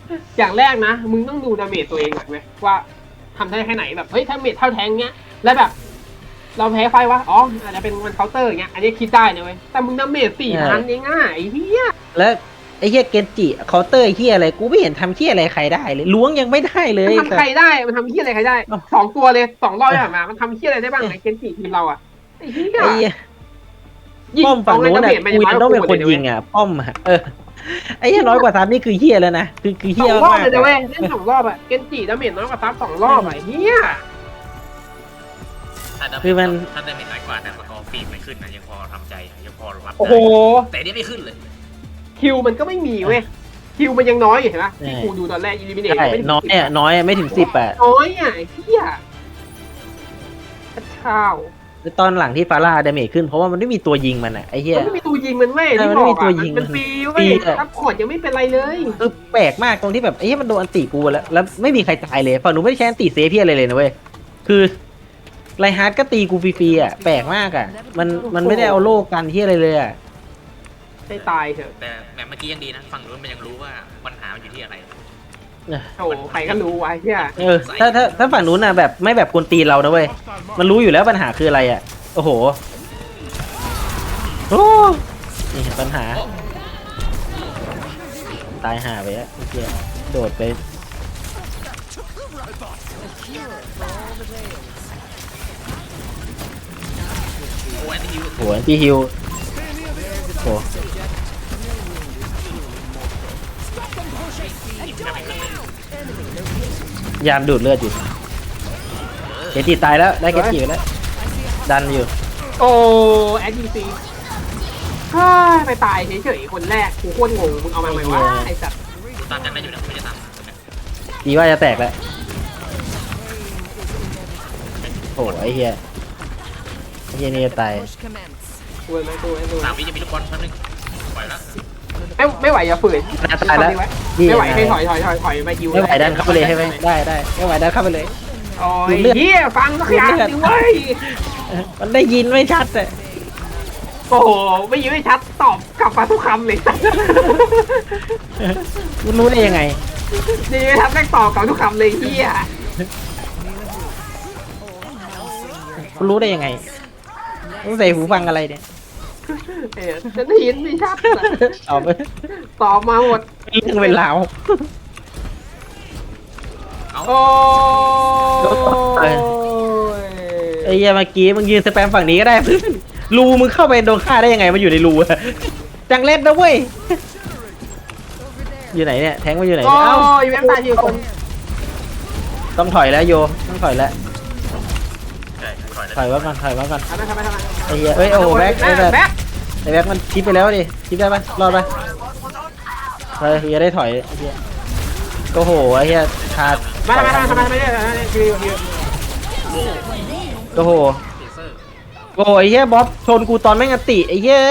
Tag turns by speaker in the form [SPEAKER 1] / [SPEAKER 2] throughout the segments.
[SPEAKER 1] อย่างแรกนะมึงต้องดูดาเมจตัวเองก่อนเว้ยว่าทำได้แค่ไหนแบบเฮ้ยถ้าเมจเท่าแทงเงี้ยแล้วแบบ เราแพ้ไฟวะอ๋ออาจจะเป็นมันเคาน์เตอร์อย่างเงี้ยอันนี้คิดได้นะเว้ยแต่มึงดาเมจ4,000เองง่ายไอ้เหี้ย
[SPEAKER 2] แล้วไอ้เฮียเกนจิเคาน์เตอร์ไอ้เฮียอะไรกูไม่เห็นทำเฮียอะไรใครได้เลยล้วงยังไม่ได้เลย
[SPEAKER 1] มันทำใครได้มันทำเหี้ยอะไรใครได้2 ตัวเลย2 รอบที่ผ่านมามันทำเหี้ยอะไรได้บ้างไอ้เกนจิทีมเราอะไอ้เหี้ย
[SPEAKER 2] ไอ้เหี้ย
[SPEAKER 1] ยิง
[SPEAKER 2] ป้อมฝั่งนู้น
[SPEAKER 1] เอา
[SPEAKER 2] น่ะ
[SPEAKER 1] ไงดาเมจมัน
[SPEAKER 2] กู
[SPEAKER 1] ยัง
[SPEAKER 2] ยัง
[SPEAKER 1] น้
[SPEAKER 2] ต้
[SPEAKER 1] อ
[SPEAKER 2] อย ง
[SPEAKER 1] ก
[SPEAKER 2] เป็น
[SPEAKER 1] ว่า
[SPEAKER 2] คน
[SPEAKER 1] กูเลย
[SPEAKER 2] ยิงอ่ะป้อมอะไอ้เหี้ยน้อยกว่า3นี่คือเฮียแล้วนะคือเฮี
[SPEAKER 1] ส
[SPEAKER 2] ย
[SPEAKER 1] องรอบ
[SPEAKER 2] มาก
[SPEAKER 1] เลยนะเว้ยเล่น2 รอบอะเกนจิดาเมจน้อยกว่าซับ2 รอบอะไอ้เหี้ย
[SPEAKER 2] คือมัน
[SPEAKER 3] ถ้าได้เม็ดน้อยกว่าแต่สกอร์ฟีดไม่ขึ้นนะยังพอทำใจยังพอรับ
[SPEAKER 1] โอ้โห
[SPEAKER 3] ได้แต่นี่ไม่ขึ้นเลย
[SPEAKER 1] คิวมันก็ไม่มีเว้ยคิวมันยังน้อยอยู่เห็นปะที่กูดูตอนแรกอิลิมิเนต
[SPEAKER 2] ใช่
[SPEAKER 1] ไม่ถึง
[SPEAKER 2] น้อย
[SPEAKER 1] 10
[SPEAKER 2] อ่ะน้อยไม่ถึง10อ่ะ
[SPEAKER 1] น้อยอ่ะไอ้เหี้ยข้าว
[SPEAKER 2] แล้วตอนหลังที่ฟาร่าดาเมจขึ้นเพราะว่ามันไม่มีตัวยิงมันอ่ะไอ้เหี้ย
[SPEAKER 1] มันไม่มีตัวยิงมันเว้ย
[SPEAKER 2] ใช่
[SPEAKER 1] ที่
[SPEAKER 2] มัน
[SPEAKER 1] บ
[SPEAKER 2] ไม่
[SPEAKER 1] อ
[SPEAKER 2] มี
[SPEAKER 1] ก
[SPEAKER 2] ตัว
[SPEAKER 1] อ่ะ
[SPEAKER 2] ยิง
[SPEAKER 1] มันฟรีเว้
[SPEAKER 2] ฟรี
[SPEAKER 1] ย
[SPEAKER 2] อะ
[SPEAKER 1] ซัพพอร์ตยังไม่เป็นไรเลย
[SPEAKER 2] คือแปลกมากตรงที่แบบไอ้เหี้ยมันโดนอันติกูแล้วไม่มีใครตายเลยฝั่งหนูไม่ได้ใช้อันติเซฟเพี้ยอะไรเลยนะเว้ยคือไรฮาร์ดก็ตีกูฟรีๆอ่ะแปลกมากอ่ะมันไม่ได้เอาโล่กันที่อะไรเลยอ่ะ
[SPEAKER 1] ให้ตายเถอะ
[SPEAKER 3] แต่เมื่อกี้ยังดีนะฝั่งนู้นมันยังรู้ว่าปัญหามันอยู่ที่อะไร
[SPEAKER 1] โอ้โหใครก็รู้ไว้เหี้ย
[SPEAKER 2] ถ้าฝั่งนู้นน่ะแบบไม่แบบกวนตีนเรานะเว้ยมันรู้อยู่แล้วปัญหาคืออะไรอ่ะโอ้โหโอ้นี่เห็นปัญหาตายห่าไปอ่ะเมื่อกี้โดดไป
[SPEAKER 3] โอ้ยที่ยู
[SPEAKER 2] โหแอนตี้ฮิลโหยามดูดเลือดอยู่เกจิตายแล้วได้เกจิไปแล้วดันอยู่
[SPEAKER 1] โอ้แอดดีซีไปตายเฉยๆคนแรกกูโคตรงงมึงเอามาไหมวะไอ้สัตว์
[SPEAKER 3] กูตามกันได้อยู่นะไม่ได้ตาม
[SPEAKER 2] ดีว่าจะแตกแล้วโอ้ไอ้เหี้ยนี่จะตาย
[SPEAKER 1] ดูไหมดูไหมดูไหม
[SPEAKER 3] ตามวิจะมีลูกบอลแป๊บนึงปล่อยแล้ว
[SPEAKER 1] ไม่ไหวอย่าฝืน
[SPEAKER 2] ตายแล้ว
[SPEAKER 1] ไม่ไหวให้ถอยไปยิว
[SPEAKER 2] ไม่ไหวดันเข้าไปเลยใช่ไหมได้ไม่ไหวดันเข้าไปเลย
[SPEAKER 1] โอ้ยเฮียฟังสักอย่างสิเว้ย
[SPEAKER 2] มันได้ยินไม่ชัดเลย
[SPEAKER 1] โอ้โหไม่ยินไม่ชัดตอบกลับมาทุกคำเลย
[SPEAKER 2] มันรู้ได้ยังไง
[SPEAKER 1] ดีไม่ชัดแม่งตอบกลับทุกคำเลยเฮีย
[SPEAKER 2] มันรู้ได้ยังไงต้องใส่หูฟังอะไรเนี่ย
[SPEAKER 1] ฉันได้ยินไม่ชัด
[SPEAKER 2] เอาไป
[SPEAKER 1] ตอบมาหมด
[SPEAKER 2] เรื่องเป็นราว
[SPEAKER 1] โอ้ย
[SPEAKER 2] ไอ้เหี้ยเมื่อกี้มึงยืนสแปมฝั่งนี้ก็ได้เพื่อนรูมึงเข้าไปโดนฆ่าได้ยังไงมันอยู่ในรูอะจังเล็ดนะเว้ยอยู่ไหนเนี่ยแทงมาอยู่ไหน
[SPEAKER 1] โอ้
[SPEAKER 2] เนี่ยเอ้าย
[SPEAKER 1] แม่งตายทีคน
[SPEAKER 2] ต้องถอยแล้วโยต้องถอยแล้ว
[SPEAKER 3] ใช่ถอยแล้ว
[SPEAKER 2] ถอยไว้ก่อนถอยไว้ก่อน
[SPEAKER 1] ทำไม
[SPEAKER 2] ไอ้เหี้ยเอ้ยโอ้โหแบ็คไอ้แบบ
[SPEAKER 1] แบ็ค
[SPEAKER 2] ไอ้แบ็คมันชิปไปแล้วดิชิปได้ปะรอดปะเฮ้ยอย่าได้ถอยไอ้เหี้ยก็โหไอ้เหี้ยขาด
[SPEAKER 1] มาเนี่ยคือ
[SPEAKER 2] ก็โห
[SPEAKER 3] เทเซอร์
[SPEAKER 2] โอ้ไอ้เหี้ยบ๊อบชนกูตอนแม่งอันติไอ้เหี้ย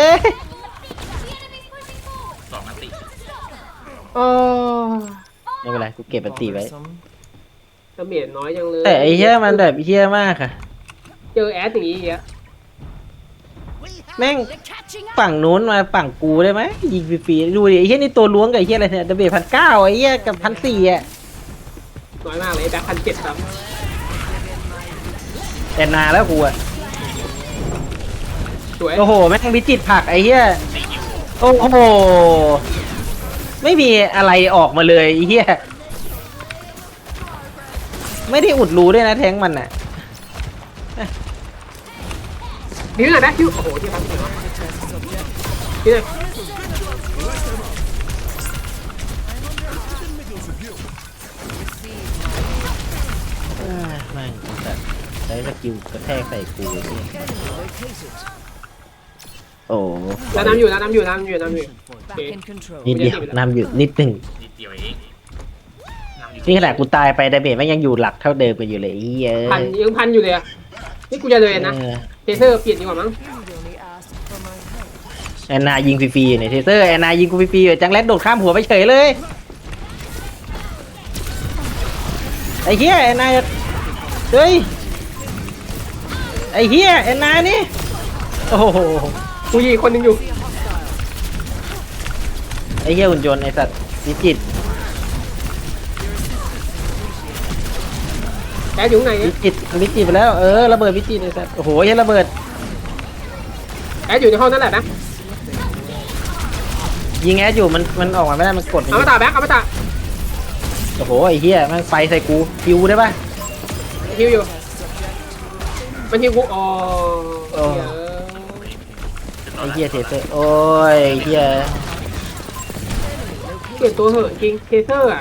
[SPEAKER 3] 2 นัดติ
[SPEAKER 1] โอ้
[SPEAKER 2] ไม่เป็นไรกูเก็บอันติไว้
[SPEAKER 1] ดาเมจน้อยจังเลย
[SPEAKER 2] แต่ไอ้เหี้ยมันแบบเหี้ยมากอะ
[SPEAKER 1] เจอแอดอย่างนี้เยอะ
[SPEAKER 2] แม่งฝั่งนู้นมาฝั่งกูได้ไหมยิงฟรีๆดูดิไอ้เหี้ยนี่ตัวล้วงกับไอ้เหี้ยอะไรเนี่ยดาเมจ1,900ไอ้เหี้ยกับ1,400อ่ะ
[SPEAKER 1] น้อยมากเลยแบ็ค1,700ครับ
[SPEAKER 2] แต่นานแล้วกูอ่ะ
[SPEAKER 1] สวย
[SPEAKER 2] โอ้โหแม่งวิจิตรผักไอ้เหี้ย
[SPEAKER 3] ตียู
[SPEAKER 2] โอ้โหไม่มีอะไรออกมาเลยไอ้เหี้ยไม่ได้อุดรูด้วยนะแทงมันอ่ะ
[SPEAKER 1] คิวหน่อยแบ็คคิวโอ้โหที่ฟังเสียงวะคิวเลย
[SPEAKER 2] แม่งแต่ใช้สกิลกระแทกใส่กูโอ้
[SPEAKER 1] แล้วน้ำอยู่โอเค
[SPEAKER 2] นิดเดียวนำอยู่นิดหนึ่ง
[SPEAKER 3] นิดเดียวเองนำอยู่
[SPEAKER 2] นี่ขนาดกูตายไปดาเมจแม่งยังอยู่หลักเท่าเดิมกันอยู่เลยไอ้เหี้ย
[SPEAKER 1] พันอยู่เลยอะนี่กูจะเลยนะ
[SPEAKER 2] เออ
[SPEAKER 1] เทเซอร์เปลี่ยนดีกว่ามั้ง
[SPEAKER 2] แอนนายิงฟรีๆอยู่ในเทเซอร์แอนนายิงกูฟรีๆอยู่จังแรดโดดข้ามหัวไปเฉยเลยไอ้เหี้ยแอนนาเฮ้ยไอ้เหี้ยแอนนานี่โอ้โห
[SPEAKER 1] กูยิงคนหนึงอยู่
[SPEAKER 2] ไอ้เหี้ยหุ่นยนต์ไอ้สัตว์วิจิตร
[SPEAKER 1] แอดอยู่ไหน
[SPEAKER 2] วิจิตรวิจิตรไปแล้วระเบิดวิจิตรเลยสัสโอ้โหยันระเบิด
[SPEAKER 1] แอดอยู่ในห้องนั่นแหละนะ
[SPEAKER 2] ยิงแอดอยู่มันออกมาไม่ได้มันกด
[SPEAKER 1] เอามาตาแบ็คเอามาตา
[SPEAKER 2] โอ้โหไอ้เหี้ยแม่งไฟใส่กูคิวได้ปะ
[SPEAKER 1] ฮิวอยู่มันฮิวกูอ๋อ
[SPEAKER 2] ไอ้เหี้ยเทเซอร์โอ้ยไอ้เหี้ย
[SPEAKER 1] เปลี่ยนตัวเหอะจริงเทเซอร์อ่ะ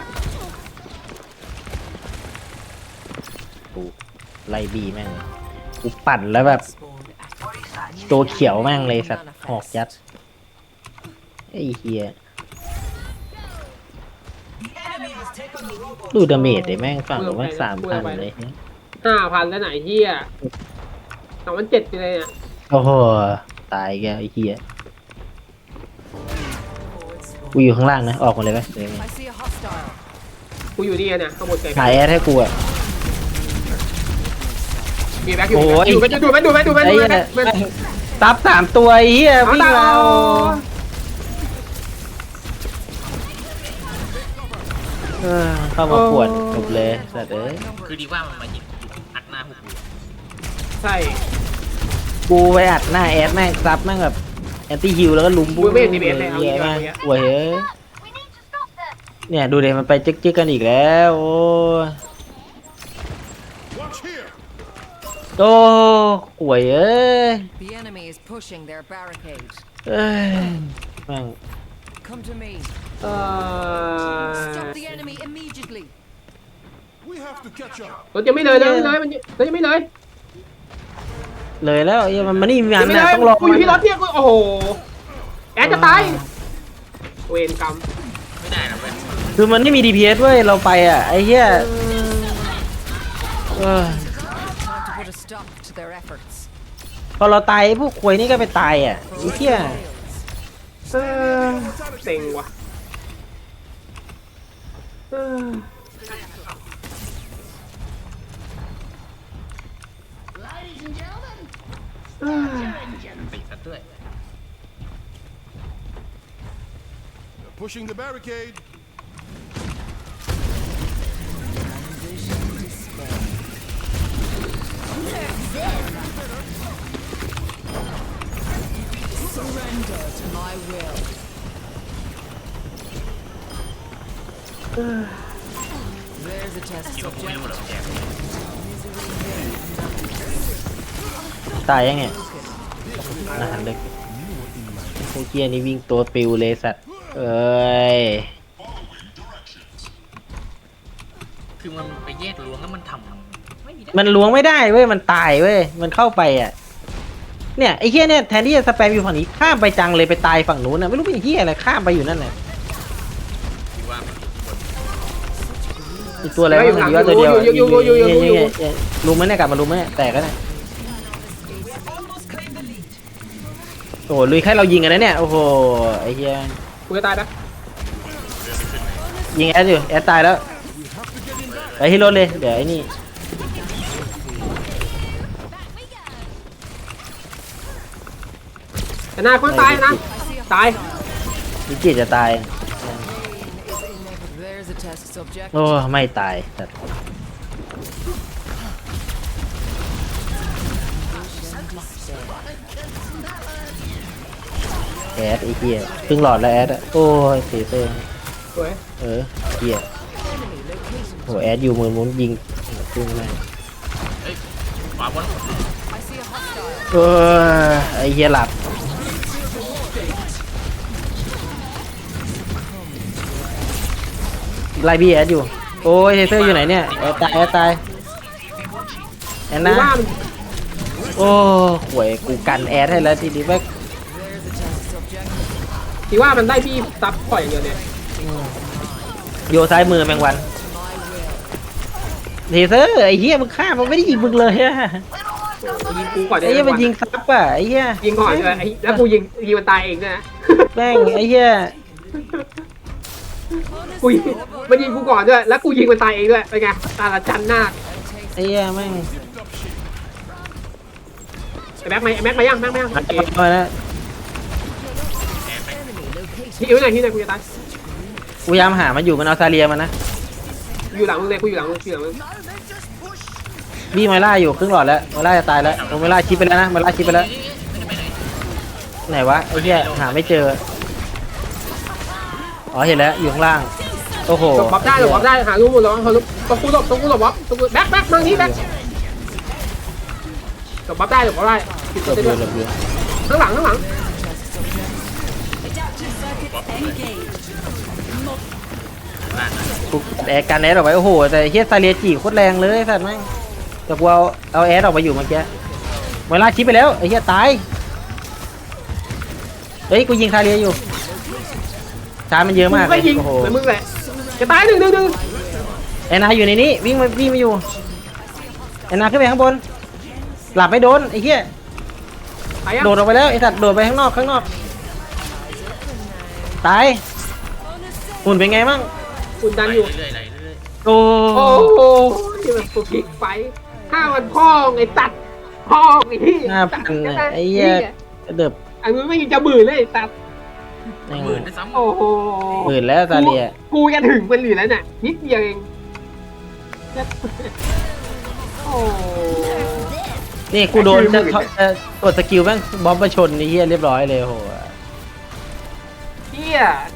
[SPEAKER 2] กูไล่บีแม่งกูปั่นแล้วแบบตัวเขียวแม่งเลยสัตว์หอกยัดไอ้เหี้ยดูดาเมจเลยแม่งฝั่งแม่ง3,000เลย
[SPEAKER 1] 5,000แล้วไหนเฮีย2,700ไปเลยอ่ะ
[SPEAKER 2] โอ้โหตายแกไอ้เหี้ยกูอยู่ข้างล่างนะออกมาเลยไหม
[SPEAKER 4] I see a hostile.
[SPEAKER 1] กูอยู่ดีเนี่ยข้างบนไกล
[SPEAKER 2] หายแอดให้กูอ่ะ
[SPEAKER 1] มีแบ็คอยู่
[SPEAKER 2] โอ้ย
[SPEAKER 1] ดูไหม
[SPEAKER 2] ไอ้เหี้ยซับ3ตัวไอ้เหี้ยวิ่งมาเข้ามาปวดจบเลยสัตว์เอ้ย
[SPEAKER 3] คือดีว่ามันมายิงอัดหน้าพวกกู
[SPEAKER 1] ใช่
[SPEAKER 2] กูไปอัดหน้าแอดแม่งซับแม่งแบบแอนตี้ฮิลแล้วก็ลุมบู
[SPEAKER 1] กูไม่เห็นดีเบสเลยเอา
[SPEAKER 2] เหี้
[SPEAKER 1] งี้
[SPEAKER 2] ย
[SPEAKER 1] ดีกว่า
[SPEAKER 2] แม่ง
[SPEAKER 1] เงี้ย
[SPEAKER 2] ป่วยเฮ้ยเนี่ยดูเดี๋ยวมันไปจึ๊กๆกันอีกแล้วโอ้ยโอ้ป่วยเอ้ย
[SPEAKER 4] The enemy is pushing their barricade.
[SPEAKER 2] เอ้ยแม่ง
[SPEAKER 4] Come to me.
[SPEAKER 1] เอ
[SPEAKER 4] Stop the enemy immediately.
[SPEAKER 1] รถยังไม่เลยมันรถยังไม่เลย
[SPEAKER 2] เลยแล้วไอ้มันนี่มี
[SPEAKER 1] ยัง
[SPEAKER 2] อัน
[SPEAKER 1] ไม่เล
[SPEAKER 2] นะ
[SPEAKER 1] ย
[SPEAKER 2] ต้องรอ
[SPEAKER 1] กูอยู่ที่รถเนี่ยกูโอ้โหแอดจะตายเวรกรรม
[SPEAKER 3] ไม่ได้นะเว้ย
[SPEAKER 2] คือมันไม่มี DPS เว้ยเราไปอ่ะไอ้เหี้ยเออ
[SPEAKER 4] Time to put a stop to their efforts.
[SPEAKER 2] พอเราตายไอ้พวกควยนี่ก็ไปตายอ่ะไอ้เหี้ย
[SPEAKER 1] เออเซ็งว่ะเออ
[SPEAKER 3] ปิดซะด้วย
[SPEAKER 5] Pushing the barricade.
[SPEAKER 4] Surrender to my will. There's a test
[SPEAKER 3] คิดว่ากูไม่
[SPEAKER 4] subject.
[SPEAKER 3] รู้เหรอแก
[SPEAKER 2] ตายยังไงอาหารเล็กพวกเหี้ยนี่วิ่งตัวปิวเลยสัตว์เอ้ย
[SPEAKER 3] คือมันไปแยกล้วงแล้วมันทำไม่ได้
[SPEAKER 2] มันล้วงไม่ได้เว้ยมันตายเว้ยมันเข้าไปอ่ะเนี่ยไอ้เหี้ยเนี่ยแทนที่จะสแปมอยู่ฝั่งนี้ข้ามไปจังเลยไปตายฝั่งนู้นน่ะไม่รู้เป็นเหี้ยอะไรข้ามไปอยู่นั่นแหละ
[SPEAKER 3] คือว่ามันคน
[SPEAKER 2] อีกตัวอะไรวะมันอยู่ว่าตัวเดียวเนี่ยลุมไหมเนี่ยกลับมาลุมไหมเนี่ยแตกแล้วเนี่ยโอ้โหลุยแค่เรายิงกันนะเนี่ยโอ้โหไอ้เหี้ย
[SPEAKER 1] กูจะตายนะ
[SPEAKER 2] ยิงแอดอยู่แอดตายแล้วไปที่รถเลยเดี๋ยวไอ้นี่
[SPEAKER 1] แต่หน้าคนตายนะตาย
[SPEAKER 2] วิจิตรจะตาย
[SPEAKER 4] There's a test subject.
[SPEAKER 2] โอ้ไม่ตายแต่แอดไอ้เหี้ยเพิ่งหลอดแล้วแอดอะโอ้ยเสียเต้
[SPEAKER 1] สวย
[SPEAKER 2] เหี้ยโหแอดอยู่มือมุนยิงขึ้นมา
[SPEAKER 3] เฮ้ยขวาบน
[SPEAKER 4] I see a hostile.
[SPEAKER 2] ไอ้เหี้ยหลับไล่บี้แอดอยู่โอ้ยเทเซอร์อยู่ไหนเนี่ยแอดตายแอดตายแอด
[SPEAKER 1] กู
[SPEAKER 2] นะ
[SPEAKER 1] ว่ามัน
[SPEAKER 2] โอ้หวยกูกันแอดให้แล้วทีนี้แม่ง
[SPEAKER 4] There's a test subject.
[SPEAKER 1] คิดว่ามันได้พี่ซับปล่อยอย่างเดียวเนี่ย
[SPEAKER 2] โยซ้ายมือแมงวัน
[SPEAKER 4] My will.
[SPEAKER 2] เทเซอร์ไอ้เหี้ยมึงฆ่ามันไม่ได้ยิงมึงเลยอะ
[SPEAKER 1] ยิงกูก่อน
[SPEAKER 2] ไอ้เหี้ยมันยิงซับอ่ะไอ้เหี้ย
[SPEAKER 1] ยิงก่อนเลยแล้วกูยิงมันตายเองด้วยนะ
[SPEAKER 2] แม่งไอ้เหี้ย
[SPEAKER 1] กูยิงมันยิงกูก่อนด้วยแล้วกูยิงมันตายเองด้วยเป็นไงตาละจันหน้า
[SPEAKER 2] ไอ้เหี้ยแม่ง
[SPEAKER 1] ไอ้แม็กมายังโอเค
[SPEAKER 2] มาแล้ว
[SPEAKER 1] ที่อยู่ไหนกูจะตาย
[SPEAKER 2] กูพยายามหามันอยู่มันเอาซาเลียมันนะ
[SPEAKER 1] อยู่หลังมึงเลยกูอยู่หลังมึง
[SPEAKER 2] วิ่งไมล่าอยู่ครึ่งหลอดแล้วไมล่าจะตายแล้วโอ้ไมล่าชิปไปแล้วนะไมล่าชิปไปแล้ว
[SPEAKER 3] ไม่ได้ไปไหน
[SPEAKER 2] ไหนวะไอ้เหี้ยหาไม่เจออ๋อเห็นแล้วอยู่ข้างล่างโอ้โห
[SPEAKER 1] หลบบ๊อบได้หลบบ๊อบได้หาลูกหมดแล้วเขาลุกตัวกูหลบตัวกูหลบบ๊อบตัวกูแบ็คทางนี้แบ็คหลบบ๊อบได้หลบบ๊อบได้ติด
[SPEAKER 2] หล
[SPEAKER 1] ตัว
[SPEAKER 2] บ
[SPEAKER 1] ได้
[SPEAKER 2] อ
[SPEAKER 1] ด้วย
[SPEAKER 2] ยู่หลบอยู่
[SPEAKER 1] ข้างหลัง
[SPEAKER 2] กูแอร์กันแอร์ออกไปโอ้โหแต่เฮียซาเลียจีโคตรแรงเลยสัตว์แม่งแต่กูเอาแอร์ออกมาอยู่เมื่อกี้เวลาชิปไปแล้วไอ้เฮียตายเฮ้ยกูยิงซาเลียอยู่ชาร์จมันเยอะมาก
[SPEAKER 1] มึง
[SPEAKER 2] เล
[SPEAKER 1] ก็
[SPEAKER 2] ย
[SPEAKER 1] ยิง
[SPEAKER 2] โอ้โห
[SPEAKER 1] เหมือนมึงแหละจะตายหนึ่ง
[SPEAKER 2] ไอ้นาอยู่ในนี้วิ่งมาอยู่ไอ้นาขึ้นไปข้างบนหลับไม่โดนไอ้เฮีย
[SPEAKER 1] ตายยัง
[SPEAKER 2] โดดออกไปแล้วไอ้สัตว์โดดไปข้างนอกตายหุ่นเป็นไงมั่ง
[SPEAKER 1] คุณดัน
[SPEAKER 3] ไป
[SPEAKER 1] อยู่
[SPEAKER 3] เรื่อยๆไหลเรื่อย
[SPEAKER 2] โอ้
[SPEAKER 1] โอ้โหที่มันพลิกไฟห้าวันพ่อไอ้ตัดพ่อไอ้ที่
[SPEAKER 2] 5,000ไอ้เหี้ยเดือบ
[SPEAKER 1] อันนี้ไม่จะบื่นเลยไอ้ตัด
[SPEAKER 3] ๆหมื่นด้วยซ้ำ
[SPEAKER 1] โอ้โห
[SPEAKER 2] หมื่นแล้วซาเลีย
[SPEAKER 1] กูจะถึงมันอยู่แล้วเนี่ยนิดเดียวเองโอ้
[SPEAKER 2] นี่กูโดนจะกดสกิลแม่งบอมมาชนไอ้เหี้ยเรียบร้อยเลยโห
[SPEAKER 1] เฮีย